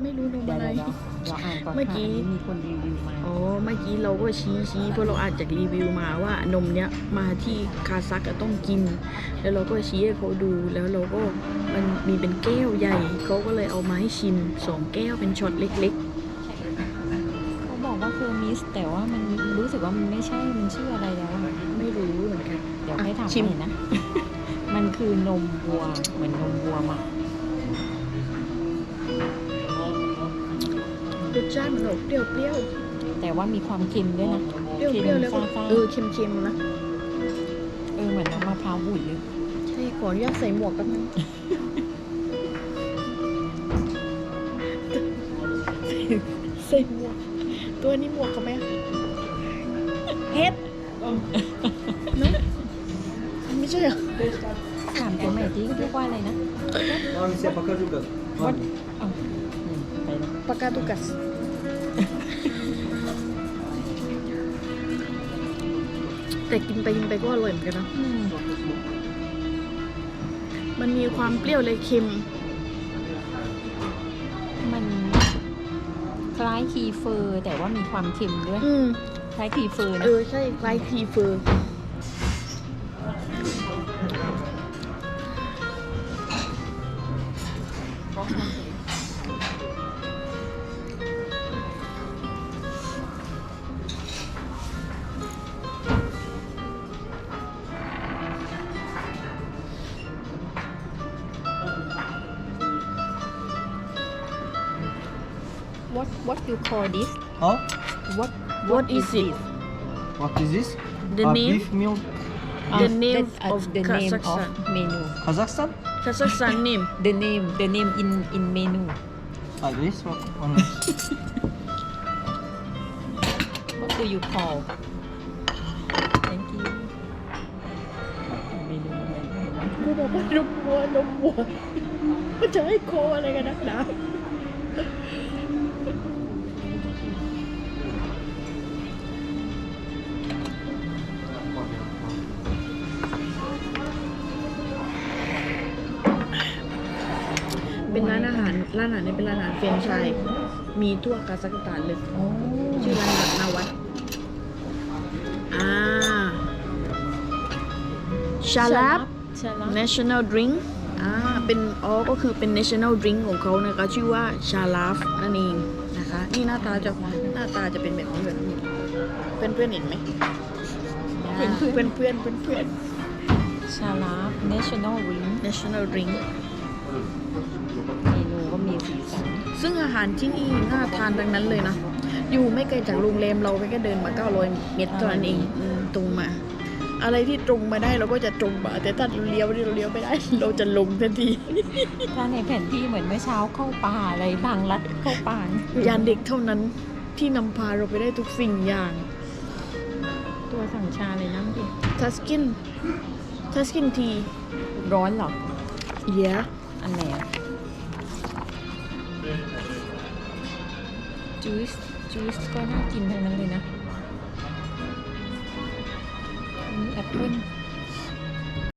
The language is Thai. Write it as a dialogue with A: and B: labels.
A: ไม่รู้นมอะไร
B: เราอ่านก่อน
A: เมื่อกี้
B: มีคนรีวิวมา
A: อ๋อเมื่อกี้เราก็ชี้เพราะเราอ่านจากรีวิวมาว่านมเนี้ยมาที่คาซัคต้องกิน แล้วเราก็ชี้ให้เขาดูแล้วเราก็มันมีเป็นแก้วใหญ่เขาก็เลยเอามาให้ชิม2 แก้วเป็นช็อตเล็ก
B: เขาบอกว่าคือมิสแต่ว่ามันรู้สึกว่ามันไม่ใช่มันชื่ออะไรแล้วอะ
A: ๆ ไม่รู้เหมือนกัน
B: เดี๋ยวให้ถาม
A: ชิม
B: ใหม่นะ มันคือนมวัวเหมือนนมวัวหมัก
A: รสชาติมันออกเปรี้ยว
B: แต่ว่ามีความเค็มด้วยนะ
A: เปรี้ยวแล้วก็
B: ซ่า
A: เค็มๆนะ
B: ๆเหมือนน้ำมะพร้าวบุ๋ยเลย
A: ใช่ขออนุญาตใส่หมวกแป๊บนึง ใส่หมวก ตัวนี้หมวกเขาไหมเฮ็ดเนาะไม่ใช่เหรอ
B: ถามตัวใหม่ที่เรียกว่าอะไรนะ
C: Nome é Pacajuca.
B: วัดไปนะ
A: ปากกาตุกัส แต่กินไปก็อร่อยเหมือนกันนะ มันมีความเปรี้ยวเลยเค็ม
B: มันคล้ายคีเฟอร์แต่ว่ามีความเค็มด้วย คล้ายคีเฟอร์นะ
A: ใช่คล้ายทีเฟอร์
B: what you call this
C: Oh,
A: What is it
C: what is this?
A: The name
C: Beef meal.
A: The name of
B: the name of
A: Kazakhstan.
B: menu
C: Kazakhstan?
A: Kazakhstan name
B: the name in menu
C: Ah, this one.
B: what do you call thank you เมนูอะไรนะ
A: กูบอกว่านมวัวมันจะให้โคอะไรกันนักหนาเป็นร้านอาหารนี้เป็นร้านอาหารเฟรนช์ชายมีทั่วคาซัคสถานเลย
B: โอ้
A: ชื่อร้านนาวัดชาลับ
B: ชาลับ
A: national drink เป็นก็คือเป็น national drink ของเขานะคะชื่อว่าชาลาฟนั่นเองนะคะนี่หน้าตาจะเป็นแบบนี้เพื่อนเห็นไหมเพื่อน
B: ชาลับ national ring
A: national drink
B: เมนูก็มีสีสัน
A: ซึ่งอาหารที่นี่น่าทานทั้งนั้นเลยนะอยู่ไม่ไกลจากโรงแรมเราไปก็เดินมา900 เมตรเท่านั้นเองตรงมา อะไรที่ตรงมาได้เราก็จะตรงมาแต่ถ้าเราเลี้ยวไม่ได้ เราจะลงทันที
B: ถ้าในแผนที่เหมือนเมื่อเช้าเข้าป่าอะไรทางลัดเข้าป่าย
A: านเด็กเท่านั้นที่นำพาเราไปได้ทุกสิ่งอย่าง
B: ตัวสั่งชาเลยนั่งดิ
A: ทัสกินที
B: ร้อนเหรอ
A: yeah
B: อันไหนอะจูสก็น่ากินทั้งนั้นเลยนะมีแอปเปิ้ล